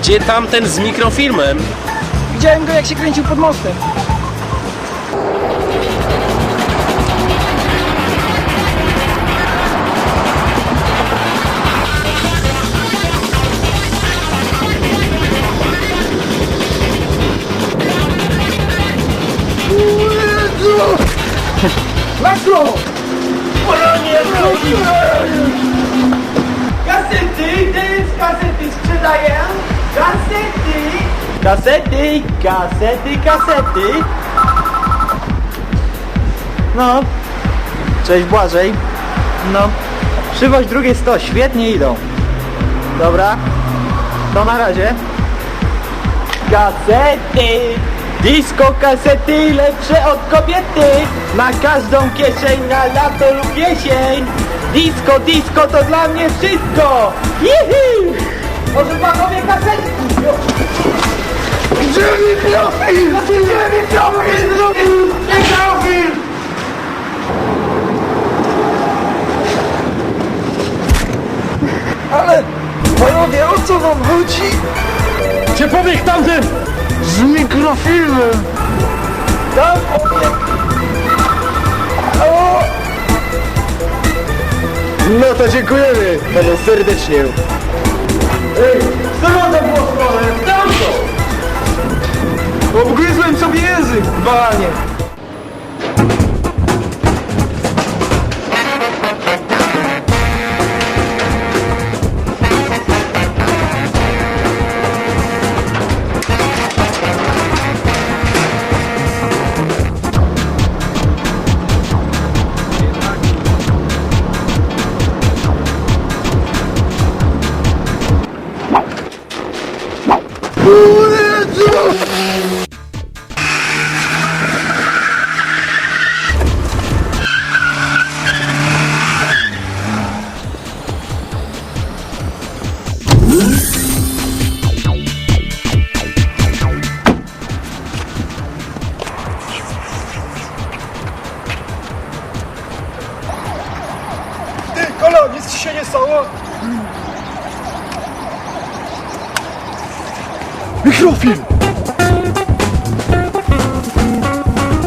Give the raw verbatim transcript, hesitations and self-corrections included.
Gdzie tamten z mikrofilmem? Widziałem go, jak się kręcił pod mostem. Makro! Polonie drogi! Kasety, ty kasety sprzedaję! Kasety! Kasety, kasety, kasety! No, cześć Błażej. No, przywoź drugie sto, świetnie idą. Dobra, to na razie. Kasety! Disco kasety lepsze od kobiety. Na każdą kieszeń, na lato lub jesień. Disco, disco to dla mnie wszystko. Jihi! Może panowie kasety? Gdzie mikrofil? Gdzie mikrofil? Mikrofil! Ale, panowie, o co wam chodzi? Cię powiek tamten! Z mikrofilmem! Tam obiekt. O! No to dziękujemy panu serdecznie. Ej, co mam za było stronę? Tam to! Obgryzłem sobie język, banie! Ty, Kolo, nic ci się nie stało? Mikrofilm!